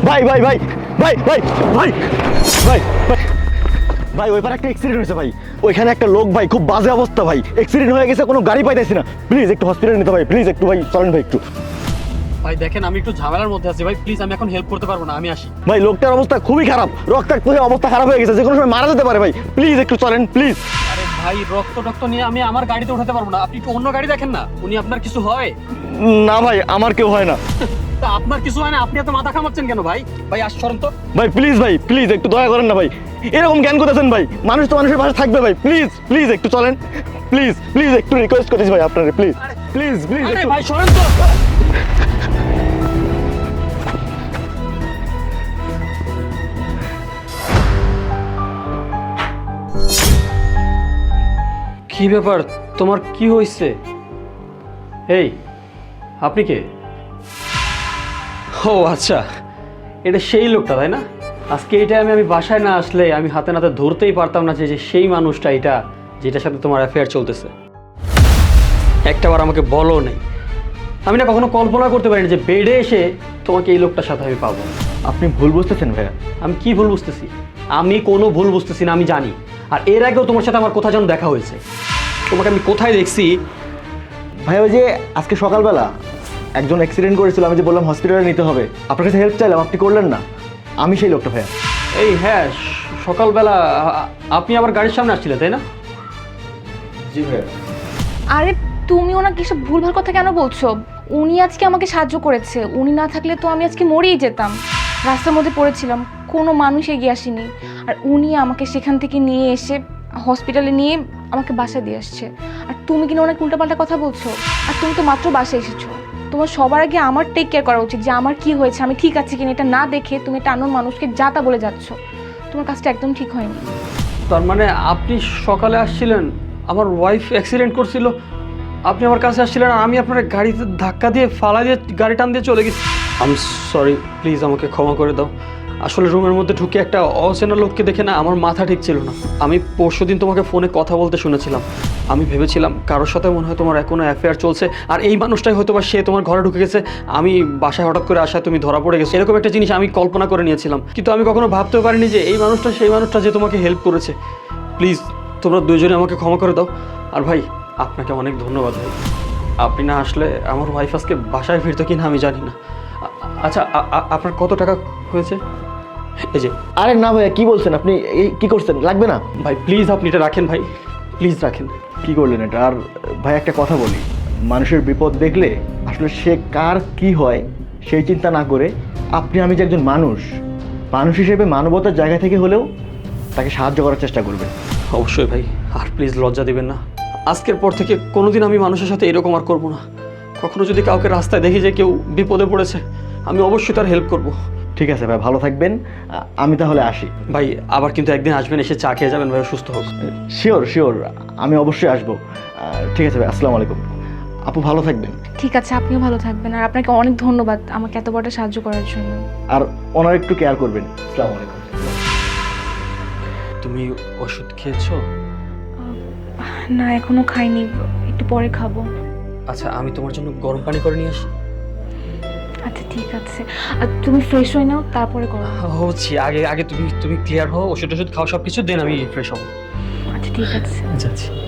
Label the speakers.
Speaker 1: ভাই ভাই ভাই ভাই ভাই ভাই ভাই ভাই ভাই ওইবার একটা অ্যাক্সিডেন্ট হয়েছে ভাই, ওইখানে একটা লোক ভাই খুব বাজে অবস্থা ভাই, অ্যাক্সিডেন্ট হয়ে গেছে, কোনো গাড়ি পাইতেছি না, প্লিজ একটু হসপিটালে নিতে ভাই, প্লিজ একটু ভাই চলেন ভাই একটু।
Speaker 2: ভাই দেখেন আমি একটু ঝামেলার মধ্যে আছি ভাই, প্লিজ আমি এখন হেল্প করতে পারবো না, আমি আসি।
Speaker 1: ভাই লোকটার অবস্থা খুবই খারাপ, রক্তাক্ত হয়ে অবস্থা খারাপ হয়ে গেছে, যে কোনো সময় মারা যেতে পারে ভাই, প্লিজ একটু চলেন প্লিজ।
Speaker 2: আরে ভাই রক্ত নিয়ে আমি আমার গাড়িতে উঠাতে পারবো না, আপনি একটু অন্য গাড়ি দেখেন না। উনি আপনার কিছু হয়?
Speaker 1: না ভাই আমার কেউ হয় না।
Speaker 2: তা আপনার কিছু হয় না, আপনি এত মাথা ঘামাচ্ছেন কেন ভাই? ভাই আসছেন তো।
Speaker 1: ভাই প্লিজ একটু দয়া করেন না ভাই, এরকম জ্ঞান করতেছেন ভাই, মানুষ তো মানুষের পাশে থাকবে ভাই, প্লিজ প্লিজ একটু চলেন, প্লিজ প্লিজ একটু রিকোয়েস্ট করতেছি ভাই আপনারে, প্লিজ প্লিজ প্লিজ।
Speaker 2: আরে ভাই সরেন তো। কি ব্যাপার, তোমার কি হয়েছে? এই আপনি কে? ও আচ্ছা, এটা সেই লোকটা তাই না? আজকে এই টাইমে আমি বাসায় না আসলে আমি হাতে নাতে ধরতেই পারতাম না যে সেই মানুষটা এটা, যেটার সাথে তোমার অ্যাফেয়ার চলতেছে। একটাবার আমাকে বলো নেই, আমি না কখনো কল্পনা করতে পারিনি যে বেডে এসে তোমাকে এই লোকটার সাথে আমি পাবো।
Speaker 1: আপনি ভুল বুঝতেছেন ভাইয়া।
Speaker 2: আমি কি ভুল বুঝতেছি? আমি কোনো ভুল বুঝতেছি না, আমি জানি। আর এর আগেও তোমার সাথে আমার কোথায় যেন দেখা হয়েছে, তোমাকে আমি কোথায় দেখছি।
Speaker 1: ভাই ওই যে আজকে সকালবেলা একজন অ্যাক্সিডেন্ট করেছিল, আমি যে বললাম হসপিটালে নিতে হবে, আপনার কাছে হেল্প চাইলাম, আপনি করলেন না, আমি সেই লোকটা ভাইয়া।
Speaker 2: এই হ্যাঁ, সকালবেলা আপনি আবার গাড়ির সামনে আসছিলেন তাই না?
Speaker 1: জি ভাইয়া।
Speaker 3: আরে তুমি ওনাকে এসব ভুলভাল কথা কেন বলছো? উনি আজকে আমাকে সাহায্য করেছে, উনি না থাকলে তো আমি আজকে মরেই যেতাম। রাস্তার মধ্যে পড়েছিলাম, কোনো মানুষ এগিয়ে আসেনি, আর উনি আমাকে সেখান থেকে নিয়ে এসে হসপিটালে নিয়ে আমাকে বাসায় দিয়ে আসছে। আর তুমি কিনা ওনাকে উল্টাপাল্টা কথা বলছো? আর তুমি তো মাত্র বাসায় এসেছো, তোমার সবার আগে আমার টেক কেয়ার করা উচিত যে আমার কি হয়েছে, আমি ঠিক আছে কিনা, এটা না দেখে তুমি একটা অন্য মানুষকে যা তা বলে যাচ্ছ। তোমার কাজটা একদম ঠিক হয়নি।
Speaker 2: তার মানে আপনি সকালে আসছিলেন, আমার ওয়াইফ অ্যাক্সিডেন্ট করছিল, আপনি আমার কাছে আসছিলেন, আর আমি আপনার গাড়িতে ধাক্কা দিয়ে ফালা দিয়ে গাড়ি টান দিয়ে চলে গেছি। আই এম সরি, প্লিজ আমাকে ক্ষমা করে দাও। আসলে রুমের মধ্যে ঢুকে একটা অচেনা লোককে দেখে না আমার মাথা ঠিক ছিল না। আমি পরশুদিন তোমাকে ফোনে কথা বলতে শুনেছিলাম, আমি ভেবেছিলাম কারোর সাথে মনে হয় তোমার কোনো অ্যাফেয়ার চলছে, আর এই মানুষটাই হয়তো বা সে তোমার ঘরে ঢুকে গেছে। আমি বাসায় হঠাৎ করে আসায় তুমি ধরা পড়ে গেছো, এরকম একটা জিনিস আমি কল্পনা করে নিয়েছিলাম, কিন্তু আমি কখনো ভাবতেও পারিনি যে এই মানুষটা সেই মানুষটা যে তোমাকে হেল্প করেছে। প্লিজ তোমরা দুজনে আমাকে ক্ষমা করে দাও। আর ভাই আপনাকে অনেক ধন্যবাদ ভাই, আপনি না আসলে আমার ওয়াইফ আজকে বাসায় ফিরতো কিনা আমি জানি না। আচ্ছা আপনার কত টাকা হয়েছে? এই যে।
Speaker 1: আরে না ভাইয়া কি বলছেন আপনি, এই কি করছেন, লাগবে না
Speaker 2: ভাই প্লিজ আপনি এটা রাখেন ভাই, প্লিজ রাখেন।
Speaker 1: কি করলেন এটা? আর ভাই একটা কথা বলি, মানুষের বিপদ দেখলে আসলে সে কার কি হয় সেই চিন্তা না করে আপনি আমি যে একজন মানুষ, মানুষ হিসেবে মানবতার জায়গা থেকে হলেও তাকে সাহায্য করার চেষ্টা করবেন।
Speaker 2: অবশ্যই ভাই, আর প্লিজ লজ্জা দিবেন না। আজকের পর থেকে কোনোদিন আমি মানুষের সাথে এরকম আর করবো না। কখনো যদি কাউকে রাস্তায় দেখি যে কেউ বিপদে পড়েছে, আমি অবশ্যই তার হেল্প করব।
Speaker 1: ঠিক আছে ভাই, ভালো থাকবেন, আমি তাহলে আসি।
Speaker 2: ভাই আবার কিন্তু একদিন আসবেন, এসে চা খেয়ে যাবেন ভাই, সুস্থ হোক।
Speaker 1: শিওর শিওর, আমি অবশ্যই আসবো। ঠিক আছে ভাই, আসসালামু আলাইকুম। আপু ভালো থাকবেন।
Speaker 3: ঠিক আছে, আপনিও ভালো থাকবেন, আর আপনাকে অনেক ধন্যবাদ আমাকে এত বড় সাহায্য করার জন্য।
Speaker 1: আর ওনার একটু কেয়ার করবেন। আসসালামু আলাইকুম।
Speaker 2: তুমি ওষুধ খেয়েছো?
Speaker 3: না এখনো খাইনি, একটু পরে খাবো।
Speaker 2: আচ্ছা আমি তোমার জন্য গরম পানি করে নিয়ে আসি।
Speaker 3: আচ্ছা ঠিক আছে, আর তুমি ফ্রেশ হয়ে নাও তারপরে করো।
Speaker 2: হচ্ছি, আগে আগে তুমি ক্লিয়ার হও, ওষুধ খাও সব কিছু, দেন আমি ফ্রেশ হবো।
Speaker 3: আচ্ছা ঠিক আছে।
Speaker 2: যাচ্ছি।